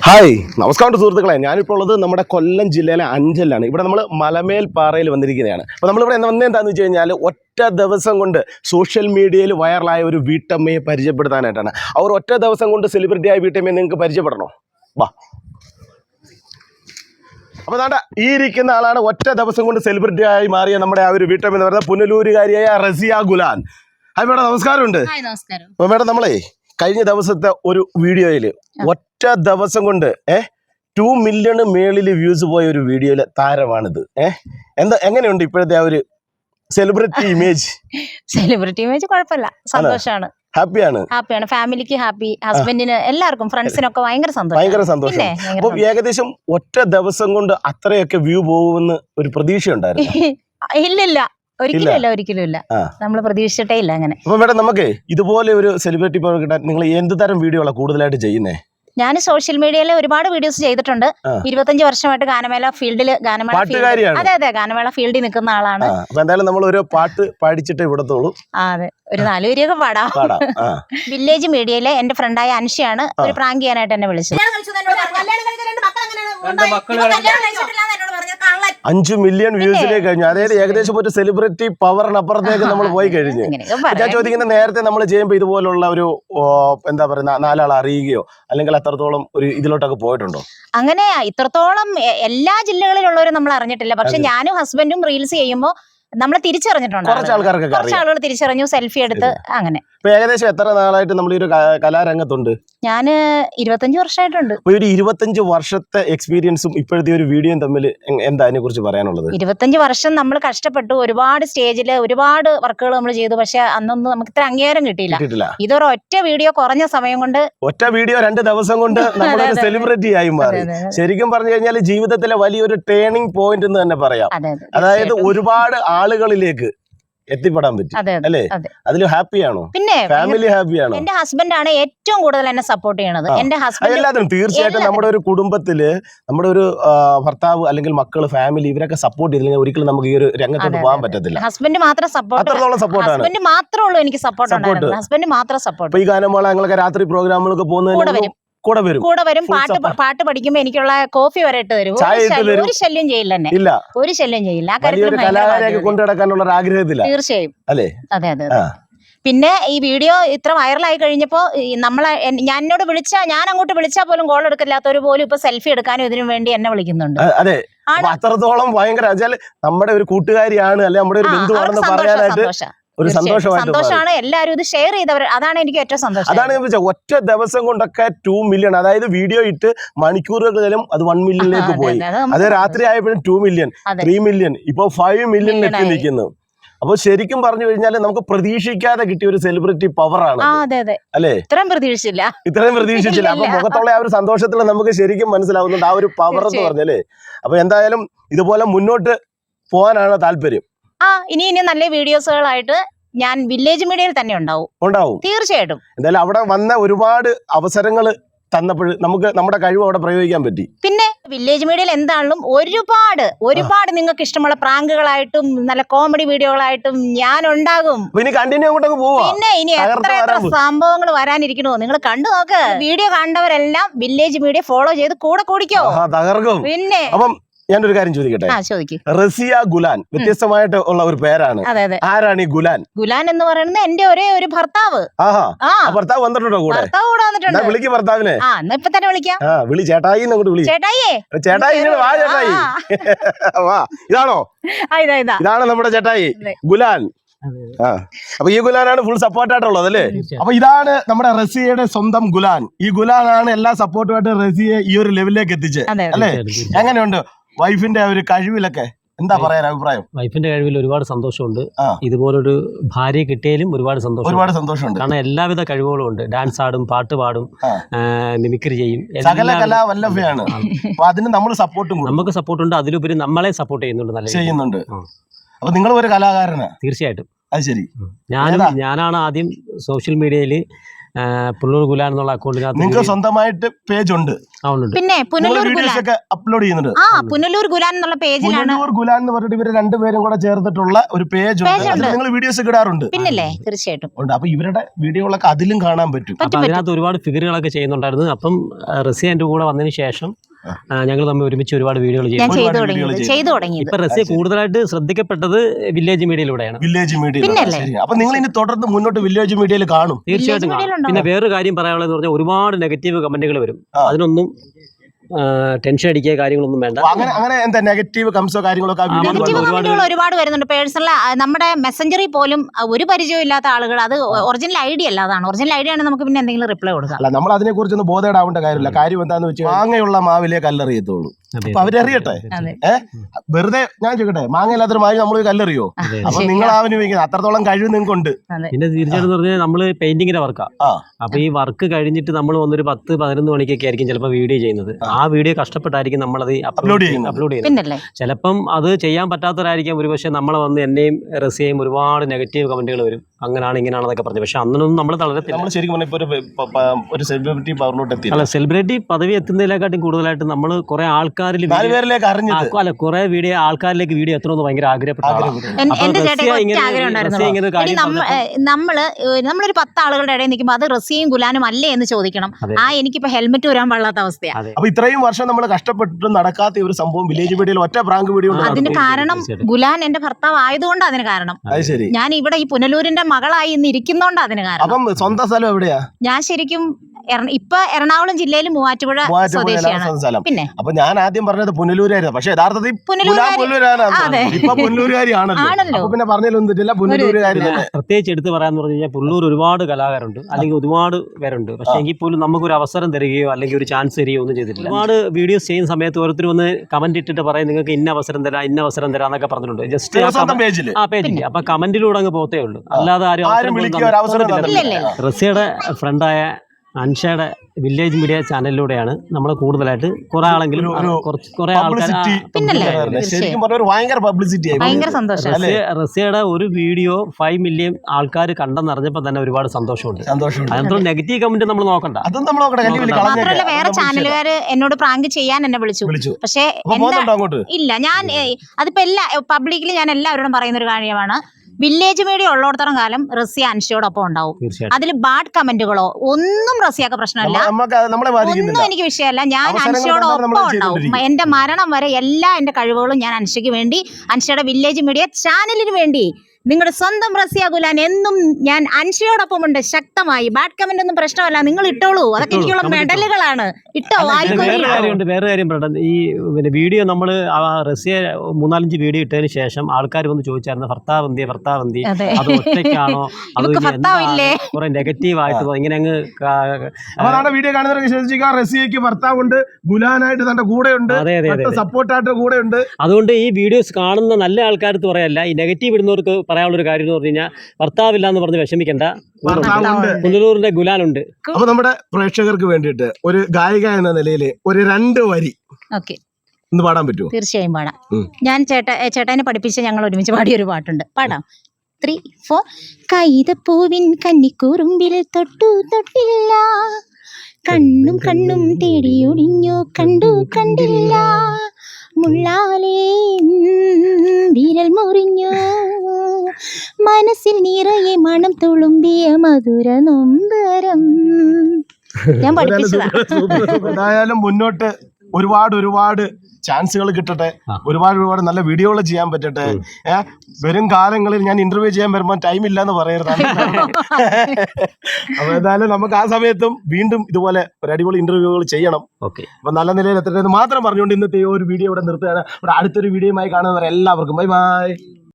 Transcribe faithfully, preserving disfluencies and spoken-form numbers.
Hi നമസ്കാരം സുഹൃത്തുക്കളെ, ഞാനിപ്പോൾ ഉള്ളത് നമ്മുടെ കൊല്ലം ജില്ലയിലെ അഞ്ചലിലാണ്. ഇവിടെ നമ്മൾ മലമേൽ പാറയിൽ വന്നിരിക്കുന്നതാണ്. അപ്പോൾ നമ്മളിവിടെ വന്നതെന്താണെന്ന് വെച്ച് കഴിഞ്ഞാൽ ഒറ്റ ദിവസം കൊണ്ട് സോഷ്യൽ മീഡിയയിൽ വൈറലായ ഒരു വീട്ടമ്മയെ പരിചയപ്പെടുത്താനായിട്ടാണ്. അവർ ഒറ്റ ദിവസം കൊണ്ട് സെലിബ്രിറ്റിയായ വീട്ടമ്മയെ നിങ്ങൾക്ക് പരിചയപ്പെടണോ? വാ. അപ്പോൾ വേണ്ട, ഈ ഇരിക്കുന്ന ആളാണ് ഒറ്റ ദിവസം കൊണ്ട് സെലിബ്രിറ്റിയായി മാറിയ നമ്മുടെ ആ ഒരു വീട്ടമ്മ എന്ന് പറയുന്നത് പുനലൂരുകാരിയായ റസിയ ഗുലാൻ. ഹായ് മേഡം, നമസ്കാരമുണ്ട്. അപ്പോൾ മേഡം, നമ്മളെ കഴിഞ്ഞ ദിവസത്തെ ഒരു വീഡിയോയിൽ ഒറ്റ ദിവസം കൊണ്ട് ഏഹ് ടു മില്യണ് മേളിൽ വ്യൂസ് പോയ ഒരു വീഡിയോയിലെ താരമാണിത്. ഏഹ് എന്താ എങ്ങനെയുണ്ട് ഇപ്പോഴത്തെ ആ ഒരു സെലിബ്രിറ്റി ഇമേജ്? സെലിബ്രിറ്റി ഇമേജ് കുഴപ്പമില്ല, സന്തോഷമാണ്, ഹാപ്പിയാണ്. ഹാപ്പിയാണ്, ഫാമിലിക്ക് ഹാപ്പി, ഹസ്ബൻഡിന് എല്ലാവർക്കും ഫ്രണ്ട്സിനൊക്കെ ഭയങ്കര സന്തോഷം. ഭയങ്കര സന്തോഷം. അപ്പൊ ഏകദേശം ഒറ്റ ദിവസം കൊണ്ട് അത്രയൊക്കെ വ്യൂ പോകുമെന്ന് ഒരു പ്രതീക്ഷ ഉണ്ടായിരുന്നു? ഇല്ലില്ല, ഒരിക്കലും ഇല്ല, ഒരിക്കലും ഇല്ല, നമ്മൾ പ്രതീക്ഷിച്ചിട്ടേ ഇല്ല അങ്ങനെ. അപ്പൊ മേഡം, നമുക്ക് ഇതുപോലെ ഒരു സെലിബ്രിറ്റി കിട്ടാൻ നിങ്ങൾ എന്ത് തരം വീഡിയോകളാണ് കൂടുതലായിട്ട് ചെയ്യുന്നേ? ഞാൻ സോഷ്യൽ മീഡിയയിൽ ഒരുപാട് വീഡിയോസ് ചെയ്തിട്ടുണ്ട്. ഇരുപത്തഞ്ച് വർഷമായിട്ട് ഗാനമേള ഫീൽഡിൽ ഗാനമേള അതെ അതെ ഗാനമേള ഫീൽഡിൽ നിൽക്കുന്ന ആളാണ്. എന്തായാലും നമ്മൾ ഒരു പാട്ട് പാടിച്ചിട്ട് ഇവിടത്തോളൂ. അതെ, ഒരു നാല് വരിയൊക്കെ പാടാം. വില്ലേജ് മീഡിയയിലെ എന്റെ ഫ്രണ്ടായ അൻഷയാണ് ഒരു പ്രാങ്ക് ചെയ്യാനായിട്ട് എന്നെ വിളിച്ചത്. അഞ്ചു മില്യൺ വ്യൂസിലേക്ക് കഴിഞ്ഞു. അതായത് ഏകദേശം ഒരു സെലിബ്രിറ്റി പവറിനപ്പുറത്തേക്ക് നമ്മൾ പോയി കഴിഞ്ഞു. ഞാൻ ചോദിക്കുന്ന, നേരത്തെ നമ്മൾ ചെയ്യുമ്പോൾ ഇതുപോലുള്ള ഒരു എന്താ പറയുക നാലാൾ അറിയുകയോ അല്ലെങ്കിൽ അത്രത്തോളം ഒരു ഇതിലോട്ടൊക്കെ പോയിട്ടുണ്ടോ? അങ്ങനെ ഇത്രത്തോളം എല്ലാ ജില്ലകളിലുള്ളവരും നമ്മൾ അറിഞ്ഞിട്ടില്ല. പക്ഷെ ഞാനും ഹസ്ബൻഡും റീൽസ് ചെയ്യുമ്പോൾ നമ്മളെ തിരിച്ചറിഞ്ഞിട്ടുണ്ട്. കുറച്ച് ആൾക്കാർക്ക് കുറച്ച് ആളുകൾ തിരിച്ചറിഞ്ഞു, സെൽഫി എടുത്ത് അങ്ങനെ. ഏകദേശം എത്ര നാളായിട്ട് നമ്മൾ ഈ ഒരു കലാരംഗത്തുണ്ട്? ഞാന് ഇരുപത്തഞ്ച് വർഷമായിട്ടുണ്ട്. ഒരു ഇരുപത്തഞ്ച് വർഷത്തെ എക്സ്പീരിയൻസും ഇപ്പോഴത്തെ ഒരു വീഡിയോയും തമ്മിൽ എന്താ അതിനെ കുറിച്ച് പറയാനുള്ളത്? ഇരുപത്തഞ്ച് വർഷം നമ്മൾ കഷ്ടപ്പെട്ടു, ഒരുപാട് സ്റ്റേജില് ഒരുപാട് വർക്കുകൾ നമ്മൾ ചെയ്തു. പക്ഷെ അന്നൊന്നും നമുക്ക് ഇത്ര അംഗീകാരം കിട്ടിയില്ല. ഇതൊരു ഒറ്റ വീഡിയോ കുറഞ്ഞ സമയം കൊണ്ട്, ഒറ്റ വീഡിയോ രണ്ട് ദിവസം കൊണ്ട് നമ്മളൊരു സെലിബ്രിറ്റി ആയി മാറി. ശരിക്കും പറഞ്ഞു കഴിഞ്ഞാൽ ജീവിതത്തിലെ വലിയൊരു ടേണിംഗ് പോയിന്റ് എന്ന് തന്നെ പറയാം. അതായത് ഒരുപാട് ആളുകളിലേക്ക് എത്തിപ്പെടാൻ പറ്റും അല്ലേ? അതിൽ ഹാപ്പിയാണോ? പിന്നെ ഫാമിലി ഹാപ്പിയാണോ? എന്റെ ഹസ്ബൻഡ് ആണ് ഏറ്റവും കൂടുതൽ എന്നെ സപ്പോർട്ട് ചെയ്യണത്. എന്റെ ഹസ്ബൻഡ് എല്ലാത്തിനും തീർച്ചയായിട്ടും നമ്മുടെ ഒരു കുടുംബത്തില് നമ്മുടെ ഒരു ഭർത്താവ് അല്ലെങ്കിൽ മക്കള്, ഫാമിലി ഇവരൊക്കെ സപ്പോർട്ട് ചെയ്തില്ലെങ്കിൽ ഒരിക്കലും നമുക്ക് ഈ ഒരു രംഗത്തോട്ട് പോകാൻ പറ്റത്തില്ല. ഹസ്ബൻഡ് മാത്രം സപ്പോർട്ട്, അത്രത്തോളം സപ്പോർട്ടാണ്. ഹസ്ബൻഡ് മാത്രമേ ഉള്ളൂ എനിക്ക് സപ്പോർട്ട്. ഹസ്ബൻഡ് മാത്രം സപ്പോർട്ട്. ഈ ഗാനമേള ഞങ്ങളൊക്കെ രാത്രി പ്രോഗ്രാമുകളൊക്കെ പോകുന്നതിന് കൂടെ വരും കൂടെ വരും പാട്ട് പാട്ട് പഠിക്കുമ്പോ എനിക്കുള്ള കോഫി വരെ ഇട്ട് തരും. ഒരു ശല്യം ചെയ്യില്ല എന്നെ, ഒരു ശല്യം ചെയ്യില്ല. ആ കാര്യത്തിൽ കൊണ്ടുനടക്കാനുള്ള ആഗ്രഹത്തില്ല. തീർച്ചയായും അതെ അതെ അതെ. പിന്നെ ഈ വീഡിയോ ഇത്ര വൈറലായി കഴിഞ്ഞപ്പോ നമ്മളെ ഞാൻ എന്നോട് വിളിച്ചാ ഞാൻ അങ്ങോട്ട് വിളിച്ചാൽ പോലും കോൾ എടുക്കില്ലാത്തവര് പോലും ഇപ്പൊ സെൽഫി എടുക്കാനും ഇതിനു വേണ്ടി എന്നെ വിളിക്കുന്നുണ്ട്. അതെ, അത്രത്തോളം ഭയങ്കര നമ്മുടെ ഒരു കൂട്ടുകാരിയാണ് അല്ലെ നമ്മുടെ ഒരു ബന്ധുവാണെന്ന് പറയാനായിട്ട് ഒരു സന്തോഷമാണ്. എല്ലാവരും ഇത് ഷെയർ ചെയ്തവർ, അതാണ് എനിക്ക് ഏറ്റവും സന്തോഷം. അതാണ് ഞാൻ ചോദിച്ചത്, ഒറ്റ ദിവസം കൊണ്ടൊക്കെ ടു മില്യൺ, അതായത് വീഡിയോ ഇട്ട് മണിക്കൂറുകളിലും അത് വൺ മില്യണിലേക്ക് പോയി. അത് രാത്രി ആയപ്പോഴും ടു മില്യൺ, ത്രീ മില്യൺ, ഇപ്പൊ ഫൈവ് മില്യണിലെത്തി നിൽക്കുന്നു. അപ്പൊ ശരിക്കും പറഞ്ഞു കഴിഞ്ഞാൽ നമുക്ക് പ്രതീക്ഷിക്കാതെ കിട്ടിയ ഒരു സെലിബ്രിറ്റി പവറാണ് അല്ലേ? ഇത്രയും പ്രതീക്ഷിച്ചില്ല, ഇത്രയും പ്രതീക്ഷിച്ചില്ല. അപ്പൊ മുഖത്തുള്ള ആ ഒരു സന്തോഷത്തിൽ നമുക്ക് ശരിക്കും മനസ്സിലാവുന്നുണ്ട് ആ ഒരു പവർ എന്ന് പറഞ്ഞല്ലേ. അപ്പൊ എന്തായാലും ഇതുപോലെ മുന്നോട്ട് പോകാനാണ് താല്പര്യം. ആ ഇനി ഇനി നല്ല വീഡിയോസുകളായിട്ട് ഞാൻ വില്ലേജ് മീഡിയയിൽ തന്നെ ഉണ്ടാവും ഉണ്ടാവും തീർച്ചയായിട്ടും. എന്തായാലും അവിടെ വന്ന ഒരുപാട് അവസരങ്ങൾ തന്നപ്പോൾ നമുക്ക് നമ്മുടെ കഴിവ് അവിടെ പ്രയോഗിക്കാൻ പറ്റി. പിന്നെ വില്ലേജ് മീഡിയയിൽ എന്താണെങ്കിലും ഒരുപാട് ഒരുപാട് നിങ്ങൾക്ക് ഇഷ്ടമുള്ള പ്രാങ്കുകളായിട്ടും നല്ല കോമഡി വീഡിയോകളായിട്ടും ഞാൻ ഉണ്ടാകും. പിന്നെ ഇനി എത്ര എത്ര സംഭവങ്ങൾ വരാനിരിക്കണോ നിങ്ങൾ കണ്ടു നോക്ക്. വീഡിയോ കണ്ടവരെല്ലാം വില്ലേജ് മീഡിയ ഫോളോ ചെയ്ത് കൂടെ കൂടിക്കോ. പിന്നെ ഞാനൊരു കാര്യം ചോദിക്കട്ടെ, റസിയ ഗുലാൻ വ്യത്യസ്തമായിട്ട് ഉള്ള ഒരു പേരാണ്. ആരാണ് ഈ ഗുലാൻ? ഗുലാൻ എന്ന് പറയുന്നത് എന്റെ ഒരേ ഒരു ഭർത്താവ്. ഭർത്താവ് വന്നിട്ടുണ്ടോ കൂടെ? വിളിക്ക് ഭർത്താവിനെ. ഇപ്പൊ തന്നെ വിളിക്കാം. വിളി ചേട്ടായി വിളി. ചേട്ടായിയേ ചേട്ടായി വാ, ചേട്ടായി വാ. ഇതാണോ? ഇതാണ് നമ്മുടെ ചേട്ടായി ഗുലാൻ. ആ അപ്പൊ ഈ ഗുലാനാണ് ഫുൾ സപ്പോർട്ടായിട്ടുള്ളത് അല്ലേ? അപ്പൊ ഇതാണ് നമ്മുടെ റസിയയുടെ സ്വന്തം ഗുലാൻ. ഈ ഗുലാനാണ് എല്ലാ സപ്പോർട്ടുമായിട്ട് റസിയെ ഈ ഒരു ലെവലിലേക്ക് എത്തിച്ചത് അല്ലേ? എങ്ങനെയുണ്ട് വൈഫിന്റെ ഒരു കഴിവിലൊക്കെ എന്താ പറയാൻ അഭിപ്രായം? വൈഫിന്റെ കഴിവിൽ ഒരുപാട് സന്തോഷമുണ്ട്. ഇതുപോലൊരു ഭാര്യ കിട്ടിയാലും ഒരുപാട് സന്തോഷം, ഒരുപാട് സന്തോഷമുണ്ട്. കാരണം എല്ലാവിധ കഴിവുകളും ഉണ്ട്. ഡാൻസ് ആടും, പാട്ട് പാടും, മിമിക്രി ചെയ്യും, സകല കലാവല്ലഭയാണ്. അപ്പൊ അതിന് നമ്മൾ സപ്പോർട്ടും നമുക്ക് സപ്പോർട്ടുണ്ട്. അതിലുപരി നമ്മളെ സപ്പോർട്ട് ചെയ്യുന്നുണ്ട്, നല്ല ചെയ്യുന്നുണ്ട്. അപ്പൊ നിങ്ങൾ ഒരു കലാകാരനാ? തീർച്ചയായിട്ടും. അത് ശരി. ഞാനും ഞാനാണ് ആദ്യം സോഷ്യൽ മീഡിയയിൽ പുല്ലൂർ ഗുലാൻ എന്നുള്ള അക്കൗണ്ടിനകത്ത് നിങ്ങൾക്ക് സ്വന്തമായിട്ട് പേജ് ഉണ്ട്? പിന്നെ പുനലൂർ ഗുലാൻ അപ്ലോഡ് ചെയ്യുന്നുണ്ട്. ആ പുനലൂർ ഗുലാൻ എന്നുള്ള പേജിലാണ്. പുനലൂർ ഗുലാൻ എന്ന് പറഞ്ഞിട്ട് ഇവര് രണ്ടുപേരും കൂടെ ചേർത്തിട്ടുള്ള ഒരു പേജ് ഉണ്ട്. നിങ്ങൾ വീഡിയോസ് ഇടാറുണ്ട്? പിന്നല്ലേ, തീർച്ചയായിട്ടും ഉണ്ട്. അപ്പൊ ഇവരുടെ വീഡിയോകളൊക്കെ അതിലും കാണാൻ പറ്റും. അപ്പൊ അതിനകത്ത് ഒരുപാട് ഫിഗറുകളൊക്കെ ചെയ്യുന്നുണ്ടായിരുന്നു. അപ്പം റസിയ എന്റെ കൂടെ വന്നതിന് ശേഷം ഞങ്ങൾ തമ്മിൽ ഒരുമിച്ച് ഒരുപാട് വീഡിയോകൾ ചെയ്തു. ഇപ്പൊ റസിയ കൂടുതലായിട്ട് ശ്രദ്ധിക്കപ്പെട്ടത് വില്ലേജ് മീഡിയയിലൂടെയാണ്. Village media. അപ്പൊ നിങ്ങൾ ഇനി തുടർന്ന് മുന്നോട്ട് വില്ലേജ് മീഡിയയിൽ കാണും? തീർച്ചയായിട്ടും കാണും. പിന്നെ വേറൊരു കാര്യം പറയാനുള്ളത് പറഞ്ഞാൽ ഒരുപാട് നെഗറ്റീവ് കമന്റുകൾ വരും. അതിനൊന്നും ടെൻഷൻ അടിക്കുക കാര്യങ്ങളൊന്നും വേണ്ട. അങ്ങനെ അങ്ങനെ എന്താ നെഗറ്റീവ് കമന്റ്സോ കാര്യങ്ങളൊക്കെ ഒരുപാട് വരുന്നുണ്ട്. പേഴ്സണൽ നമ്മുടെ മെസ്സഞ്ചറിൽ പോലും ഒരു പരിചയം ഇല്ലാത്ത ആളുകൾ, അത് ഒറിജിനൽ ഐഡിയ അല്ല, അതാണ് ഒറിജിനൽ ഐഡിയ ആണ്. നമുക്ക് പിന്നെ എന്തെങ്കിലും റിപ്ലൈ കൊടുക്കാം. അല്ല, നമ്മൾ അതിനെ കുറിച്ചൊന്നും ബോധേടാവേണ്ട കാര്യമില്ല. കാര്യം എന്താന്ന് വെച്ചാൽ മാങ്ങയുള്ള മാവിലേ കല്ലെറിയത്തുള്ളൂ. അപ്പൊ അവരറിയട്ടെ. ഏഹ് വെറുതെ ഞാൻ ചോദിക്കട്ടെ, മാങ്ങയില്ലാത്തൊരു മാങ്ങ നമ്മൾ കല്ലെറിയോ? അപ്പൊ നിങ്ങൾ ആവിനിക്കുന്നത് അത്രത്തോളം കഴിവ് നിങ്ങൾക്കുണ്ട്. പിന്നെ തീർച്ചയായിട്ടും പറഞ്ഞാൽ നമ്മള് പെയിന്റിങ്ങിന്റെ വർക്കാ. അപ്പൊ ഈ വർക്ക് കഴിഞ്ഞിട്ട് നമ്മൾ വന്നൊരു പത്ത് പതിനൊന്ന് മണിക്കൊക്കെ ആയിരിക്കും ചിലപ്പോൾ വീഡിയോ ചെയ്യുന്നത്. ആ വീഡിയോ കഷ്ടപ്പെട്ടായിരിക്കും നമ്മളത് അപ്ലോഡ് ചെയ്യുന്നത് അപ്ലോഡ് ചെയ്യുന്നത് ചിലപ്പം അത് ചെയ്യാൻ പറ്റാത്തവരായിരിക്കാം. ഒരുപക്ഷെ നമ്മളെ വന്ന് എന്നെയും റസിയെയും ഒരുപാട് നെഗറ്റീവ് കമന്റുകൾ വരും, അങ്ങനെയാണ് ഇങ്ങനെയാണെന്നൊക്കെ പറഞ്ഞു. പക്ഷെ അന്നൊന്നും നമ്മൾ തളരത്തില്ല. ഒരു സെലിബ്രിറ്റി പവറിലോട്ട് എത്തി. അല്ല, സെലിബ്രിറ്റി പദവി എത്തുന്നതിനെക്കാട്ടും കൂടുതലായിട്ട് നമ്മൾ കുറെ ആൾക്കാരിൽ അല്ല കുറെ വീഡിയോ ആൾക്കാരിലേക്ക് വീഡിയോ എത്തണമെന്ന് ഭയങ്കര ആഗ്രഹപ്പെട്ടു. നമ്മള് നമ്മളൊരു പത്ത് ആളുകളുടെ ഇടയിൽ നിൽക്കുമ്പോൾ അത് റസിയും ഗുലാനും അല്ലേ എന്ന് ചോദിക്കണം. ആ എനിക്കിപ്പോ ഹെൽമെറ്റ് വരാൻ പാടാത്ത അവസ്ഥയാണ്. അപ്പൊ ഇത്രയും വർഷം നമ്മൾ കഷ്ടപ്പെട്ടിട്ട് നടക്കാത്ത ഒരു സംഭവം വില്ലേജ് വീഡിയോയിൽ ഒറ്റ പ്രാങ്ക് വീഡിയോ. അതിന് കാരണം ഗുലാൻ എന്റെ ഭർത്താവ് ആയതുകൊണ്ട് അതിന് കാരണം. ഞാൻ ഇവിടെ ഈ പുനലൂരിന്റെ മകളായി ഇന്ന് ഇരിക്കുന്നോണ്ട് അതിന് കാരണം. അപ്പം സ്വന്തം സ്ഥലം എവിടെയാ? ഞാൻ ശരിക്കും ഇപ്പൊ എറണാകുളം ജില്ലയിൽ മൂവാറ്റുപുഴ സ്വദേശിയാണ്. പിന്നെ അപ്പൊ ഞാൻ ആദ്യം പറഞ്ഞത് പുനലൂരായിരുന്നു, പക്ഷെ യഥാർത്ഥത്തിൽ പിന്നെ പറഞ്ഞില്ല പുനലൂരുകാരി. പ്രത്യേകിച്ച് എടുത്ത് പറയാന്ന് പറഞ്ഞു കഴിഞ്ഞാൽ പുള്ളൂർ ഒരുപാട് കലാകാരുണ്ട്, അല്ലെങ്കിൽ ഒരുപാട് പേരുണ്ട്. പക്ഷെ എങ്കിൽ പോലും നമുക്കൊരു അവസരം തരികയോ അല്ലെങ്കിൽ ഒരു ചാൻസ് തരികയോ ഒന്നും ചെയ്തിട്ടില്ല. ഒരുപാട് വീഡിയോസ് ചെയ്യുന്ന സമയത്ത് ഓരോരുത്തർ വന്ന് കമന്റ് ഇട്ടിട്ട് പറയും നിങ്ങൾക്ക് ഇന്ന അവസരം തരാം ഇന്ന അവസരം തരാം എന്നൊക്കെ പറഞ്ഞിട്ടുണ്ട്. ജസ്റ്റ് ആ പേജില് അപ്പൊ കമന്റിലൂടെ അങ്ങ് പോത്തേ ഉള്ളൂ, അല്ലാതെ ആരും. റസിയുടെ ഫ്രണ്ടായ അൻഷയുടെ വില്ലേജ് മീഡിയ ചാനലിലൂടെയാണ് നമ്മൾ കൂടുതലായിട്ട് കുറെ ആളെങ്കിലും കുറെ ആൾക്കാർ റസിയയുടെ ഒരു വീഡിയോ ഫൈവ് മില്യൺ ആൾക്കാർ കണ്ടെന്നറിഞ്ഞപ്പോൾ തന്നെ ഒരുപാട് സന്തോഷമുണ്ട്. അതിനകത്ത് നെഗറ്റീവ് കമന്റ് നമ്മൾ നോക്കണ്ട. മാത്രമല്ല വേറെ ചാനലുകാര് എന്നോട് പ്രാങ്ക് ചെയ്യാൻ എന്നെ വിളിച്ചു. പക്ഷേ ഇല്ല, ഞാൻ അതിപ്പോ എല്ലാ പബ്ലിക്കിൽ ഞാൻ എല്ലാവരോടും പറയുന്ന ഒരു കാര്യമാണ്, വില്ലേജ് മീഡിയ ഉള്ളിടത്തോളം കാലം റസിയ അൻഷയോടൊപ്പം ഉണ്ടാവും. അതിൽ ബാഡ് കമന്റുകളോ ഒന്നും റസിയാക്ക് പ്രശ്നമല്ല, ഒന്നും എനിക്ക് വിഷയമല്ല. ഞാൻ അൻഷയോടൊപ്പം ഉണ്ടാവും. എന്റെ മരണം വരെ എല്ലാ എന്റെ കഴിവുകളും ഞാൻ അൻഷയ്ക്ക് വേണ്ടി, അൻഷയുടെ വില്ലേജ് മീഡിയ ചാനലിന് വേണ്ടി, നിങ്ങളുടെ സ്വന്തം റസിയ ഗുലാൻ എന്നും ഞാൻ അൻഷയോടൊപ്പം ഉണ്ട് ശക്തമായി. ബാഡ് കമന്റ് ഒന്നും പ്രശ്നമല്ല, നിങ്ങൾ ഇട്ടോളൂ, അതൊക്കെ എനിക്കുള്ള മെഡലുകളാണ്. ഇട്ടോ. വേറെ കാര്യം പറയട്ടെ, ഈ പിന്നെ വീഡിയോ നമ്മൾ റസിയ മൂന്നാലഞ്ച് വീഡിയോ ഇട്ടതിന് ശേഷം ആൾക്കാർ വന്ന് ചോദിച്ചായിരുന്നു ഭർത്താവ് എന്തിയെ ഭർത്താവ് എന്തി അത് ഒറ്റയ്ക്കാണോ, അത് കുറെ നെഗറ്റീവ് ആയിട്ട് ഇങ്ങനെ അങ്ങ് വീഡിയോ കാണുന്നവർ വിശ്വസിക്കുക റസിയക്ക് ഭർത്താവുണ്ട്, ഗുലാനായിട്ട് തന്റെ കൂടെ ഉണ്ട്, സപ്പോർട്ടായിട്ട് കൂടെ ഉണ്ട്. അതുകൊണ്ട് ഈ വീഡിയോസ് കാണുന്ന നല്ല ആൾക്കാർക്ക് പറയല്ല, ഈ നെഗറ്റീവ് ഇടുന്നവർക്ക് പറയാനുള്ളൊരു കാര്യം എന്ന് പറഞ്ഞു കഴിഞ്ഞാൽ ഭർത്താവില്ല എന്ന് പറഞ്ഞ് വിഷമിക്കണ്ട, പുനലൂരിന്റെ ഗുലാനുണ്ട്. അപ്പൊ നമ്മുടെ പ്രേക്ഷകർക്ക് വേണ്ടിയിട്ട് ഒരു ഗായിക എന്ന നിലയിൽ ഒരു രണ്ട് വരി ഒന്ന് പാടാൻ പറ്റുമോ? തീർച്ചയായും പാടാം. ഞാൻ ചേട്ട ചേട്ടനെ പഠിപ്പിച്ച് ഞങ്ങൾ ഒരുമിച്ച് പാടിയ ഒരു പാട്ടുണ്ട്, പാടാം. Three four. കൈതപ്പൂവിൻ കന്നിക്കൂറുമ്പിൽ തൊട്ടു തൊട്ടില്ല, കണ്ണും കണ്ണും തേടിയൊടിഞ്ഞു കണ്ടു കണ്ടില്ല, മുള്ളാലേ വിരൽ മുറിഞ്ഞു, മനസ്സിൽ നിറയെ മണം തുളുമ്പിയ മധുര നൊമ്പരം. ഞാൻ പഠിപ്പിച്ചതായാലും മുന്നോട്ട് ഒരുപാട് ഒരുപാട് ചാൻസുകൾ കിട്ടട്ടെ, ഒരുപാട് ഒരുപാട് നല്ല വീഡിയോകൾ ചെയ്യാൻ പറ്റട്ടെ. ഏഹ് വരും കാലങ്ങളിൽ ഞാൻ ഇന്റർവ്യൂ ചെയ്യാൻ വരുമ്പോൾ ടൈം ഇല്ലാന്ന് പറയരുതാണ്. അപ്പൊ എന്തായാലും നമുക്ക് ആ സമയത്തും വീണ്ടും ഇതുപോലെ ഒരു അടിപൊളി ഇന്റർവ്യൂകൾ ചെയ്യണം. അപ്പൊ നല്ല നിലയിൽ എത്തട്ടെ എന്ന് മാത്രം പറഞ്ഞുകൊണ്ട് ഇന്നത്തെ ഒരു വീഡിയോ ഇവിടെ നിർത്തുകയാണ്. ഇവിടെ അടുത്തൊരു വീഡിയോയുമായി കാണുന്നവരെ എല്ലാവർക്കും ബൈ ബൈ.